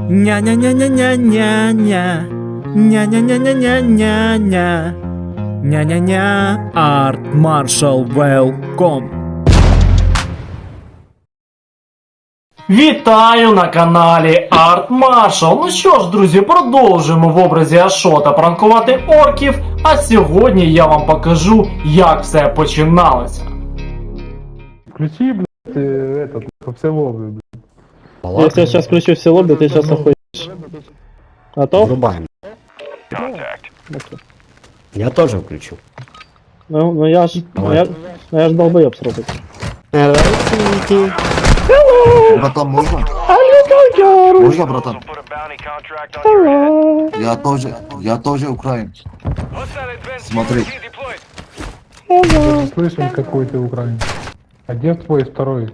Ня-ня-ня-ня-ня-ня-ня. Ня-ня-ня-ня-ня-ня-ня. Ня-ня-ня. Арт Маршал Велком. Вітаю на каналі Арт Маршал. Ну що ж, друзі, продовжуємо в образі Ашота пранкувати орків. А сьогодні я вам покажу, як все починалося. Включи, блядь, этот, все лобби, блядь. Если я сейчас включу все лобби, ты сейчас охуеешь. Готов? Врубаем. Я тоже включу. Ну я ж долбоёб срубить. Братан, можно? Можно, братан? Я тоже украинец. Смотри. Слышим, какой ты украинец. А где твой второй?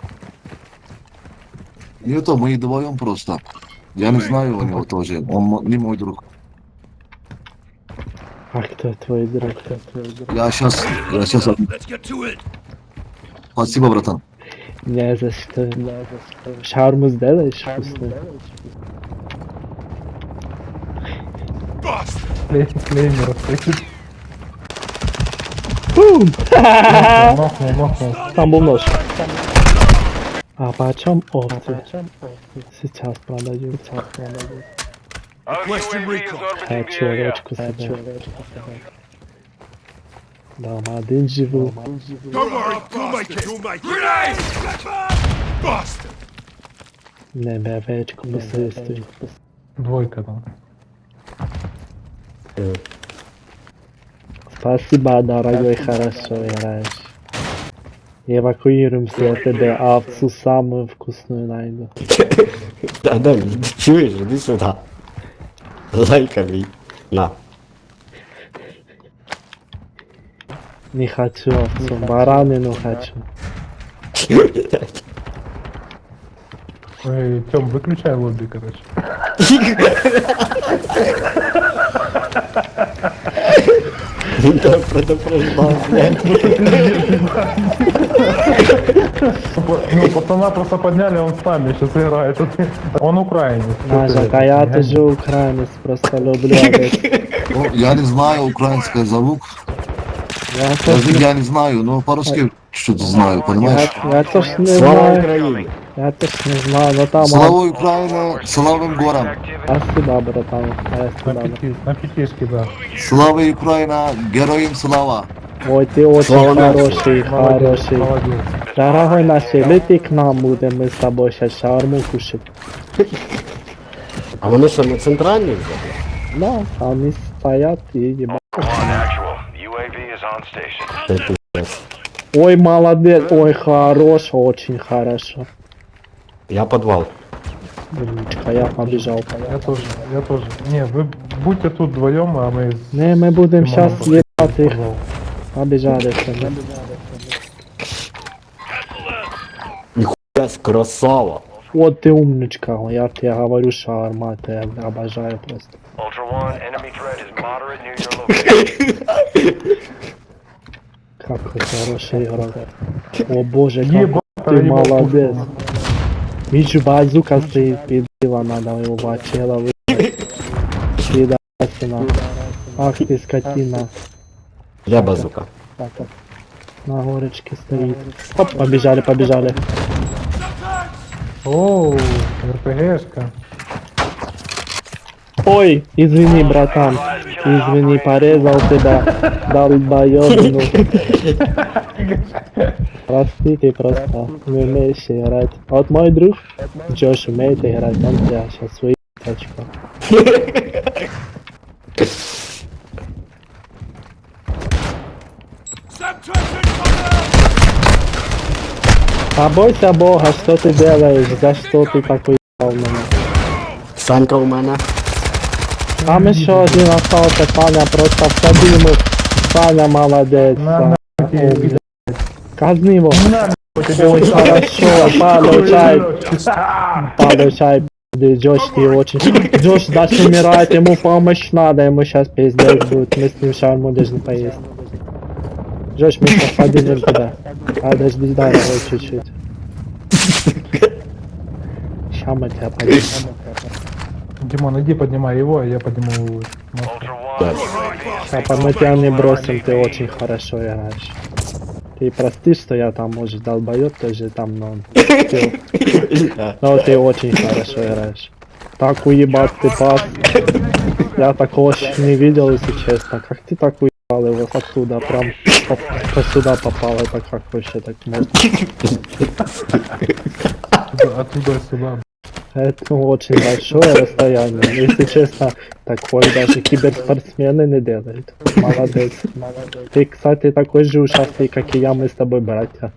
Не то, мы вдвоем просто. Я не знаю у него тоже. Он не мой друг. А кто твой друг? Я сейчас... Спасибо, братан. Не за что. Шаурму сделаешь вкусную? Клеймер стоит. Махнул. Там был нож. А почем овцы? Сейчас продаю. Хочу овечку себе. Дома один живу. Не овечку посредствую. Двойка там. Спасибо, дорогой, хорошо играешь. Эвакуируемся, я тебе овцу самую вкусную найду. Да, чуешь, иди сюда. Лайками. На. Не хочу овцу, баранину хочу. Эй, Тём, выключай лобби, короче. Да, предупреждал, блядь. Ну, пацана просто подняли, он с нами сейчас играет. Он украинец. Нажа, а я тоже украинец, просто люблю овец. Ну, я не знаю украинский звук. Я не знаю, но по-русски что-то знаю, понимаешь? Я тоже не Слава знаю. Украине. Я тоже не знаю, но там... Слава Украине, славим горам. Спасибо, братан. Спасибо. На пятишке, да. Слава Украина, героям слава. Ой, ты очень Слава хороший, хороший. Молодец. Дорогой наш, лети к нам, будем мы с тобой сейчас шаурму кушать. А вони що, на центральній вже? Да, они стоят и ебать. Це пиздец. Ой, молодец, ой, хорош, очень хорошо. Я подвал. Умничка, я побежал. Я тоже. Не, вы будьте тут вдвоем, а мы... Не, мы будем сейчас Тимоном ебать их. подвал. Побежали все. Ніхуя красава. Вот ты умничка, я тебе говорю, шаурма, я обожаю просто. Какой хороший игрок. О боже, как Ебать, ты ебать, молодец. пушку. Мишу базука стоит, пидила, надо его бачела выиграть. Пидасина. Ах ты скотина. Я базука. Так, так. На горочке стоит. Оп, побежали. Оу, РПГшка. Ой, извини, братан. Извини, порезал тебя. Долбоёбину. Простите, просто не умеешь играть. Вот мой друг Джош умеет играть, он тебя сейчас выйдет очко. Побойся Бога, что ты делаешь, за что ты такой ебаный? Санька у мене. Там еще один остался, Саня, просто всади ему. Саня молодец. На, О, казни его. На, Ой, хорошо, получай, Джош, ты очень... Джош даже умирает, ему помощь надо, ему сейчас пиздец будет, мы с ним шаурму должны поесть. Джош, мы сейчас поднимем туда. Подожди, дорогой, чуть-чуть. мы тебя поднимем. Димон, иди поднимай его, а я подниму... Папа, мы тебя не бросим, ты очень хорошо играешь. Ты прости, что я там, может, долбоёб тоже там, но ты очень хорошо играешь. Так уебать ты пас. Я такого ещё не видел, если честно. Как ты так уебал его оттуда, прям по сюда попал, это как вообще так можно? Оттуда сюда. Это очень большое расстояние. Если честно, такое даже киберспортсмены не делают. Молодец. Ты, кстати, такой же ушастый, как и я, мы с тобой братья.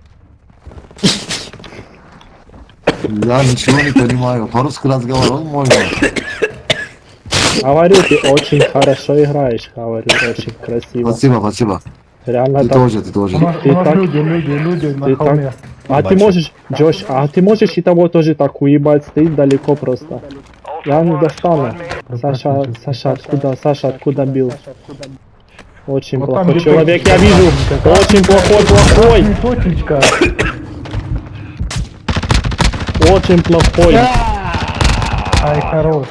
Я ничего не понимаю. По-русски разговаривал можно. Говорю, ты очень хорошо играешь, говорю, очень красиво. Спасибо, спасибо. Реально Ты так. тоже, ты тоже. У нас так- люди ты на холме. так- А ты можешь, Джош, а ты можешь и того тоже так уебать, стоит далеко просто. Я не достану. Саша, откуда бил? Очень Вот там, плохой где человек, точечка, я вижу. там, Очень плохой. Точечка. Очень плохой. Ай, хорош.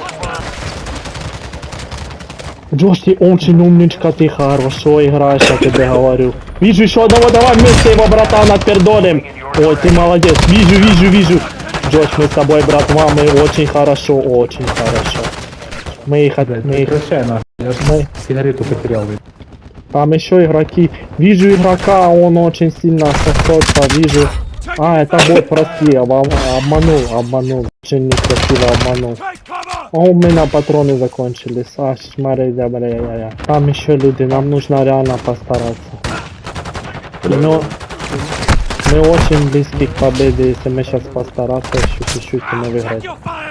Джош, ты очень умничка, ты хорошо играешь, я тебе говорю. Вижу еще одного, давай вместе его, братан, отпердолим. Ой, ты молодец, вижу. Джош, мы с тобой, братва, мы очень хорошо. Мы их... Прекращай нахуй. Я ж Мы... сигарету потерял. Там еще игроки. Вижу игрока, он очень сильно сосется, вижу. А, это бот, прости, обманул. Очень некрасиво обманул. А у меня патроны закончились. А, смотри, бля. Там еще люди, нам нужно реально постараться. Но мы очень близки к победе, если мы сейчас постараться, еще чуть-чуть и мы выиграем.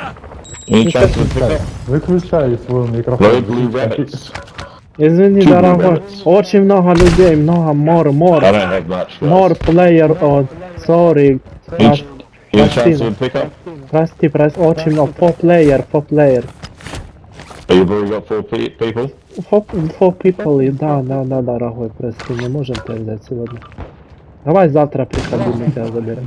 Выключай свой микрофон. Извини, дорогой, очень много людей, more player, sorry, прости, очень много, 4 player. Four people, да, дорогой, прости, не можем тебя взять сегодня. Давай завтра приходи, мы тебя заберем.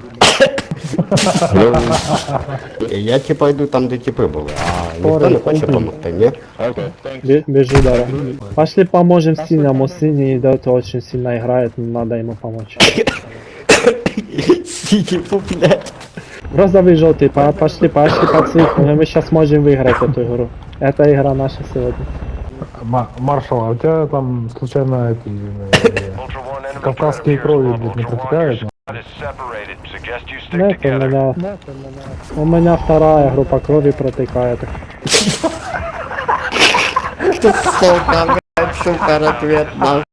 Я типа йду там, де типи були, а ніхто не хоче допомогти, ні? Бежи, дорогой. Пошли поможем синему, синий идет, очень сильно играет, надо ему помочь. Типу, блядь. Розовый, желтый, пошли по цифру, мы сейчас можем выиграть эту игру. Это игра наша сегодня. Маршал, а у тебя там случайно эти кавказские крови, блядь, не протекают? Нет, у меня вторая группа крови протекает. Сука, блядь, супер ответ, нахуй.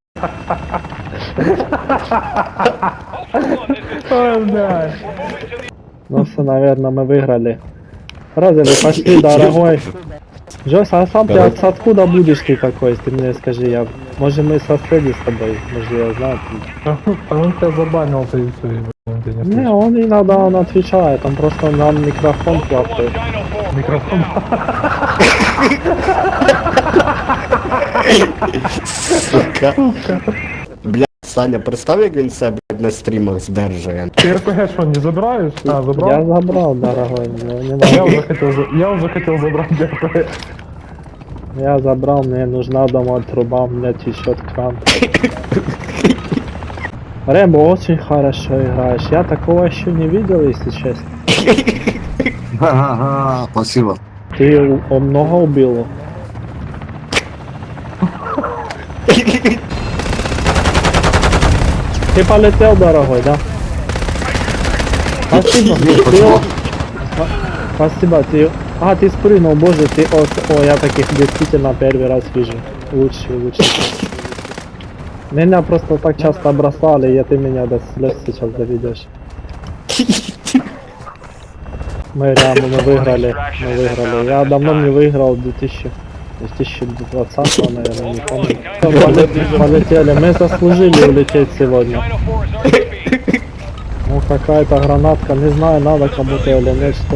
Ну все, наверное, мы выиграли. Розовый, пошли, дорогой. Джос, а сам ты откуда будешь ты такой, ты мне скажи, может мы соседи с тобой, может я знаю. А он тебя забанил, ты и все, он тебя не Не, он иногда он отвечает, он просто нам микрофон хватает. Микрофон. Сука. Блядь, Саня, представь, як він себе, блядь, на стрімах здержує. Ты РПГ что, не забираешь? А, Я забрал? забрал, дорогой, но не Я могу. уже хотел забрать РПГ. Я забрал, мне нужна дома труба, мне течет кран. Рэмбо, очень хорошо играешь, я такого еще не видел, если честно. Ага, спасибо. Ты много убил? Ты полетел, дорогой, да? Спасибо. Спасибо, ты... А, ты спрыгнул, боже, ты... О, я таких действительно первый раз вижу. Лучше. Меня просто так часто бросали, и ты меня до слез сейчас доведешь. Мы выиграли. Я давно не выиграл 2020, наверное, не помню. Полетели, мы заслужили улететь сегодня. Ну какая-то гранатка, не знаю, надо кому-то или нет, что.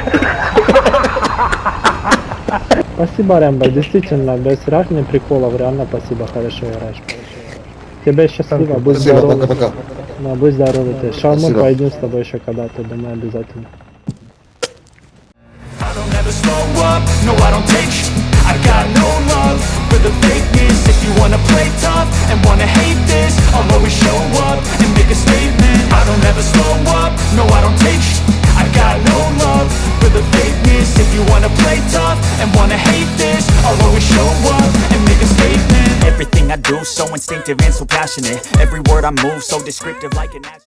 Спасибо, Рэмбо, действительно, без реальных приколов, реально спасибо, хорошо играешь. Тебе счастливо, будь Спасибо, здоров. пока-пока. Да, будь здоров ты. Шаурму Спасибо. пойдем с тобой еще когда-то, думаю, обязательно. don't ever slow up, no I don't take sh**. I got no love for the fakeness. If you wanna play tough and wanna hate this, I'll always show up and make a statement. I don't ever slow up, no I don't take sh**. I got no love for the fakeness. If you wanna play tough and wanna hate this, I'll always show up and make a statement. Everything I do so instinctive and so passionate. Every word I move so descriptive like an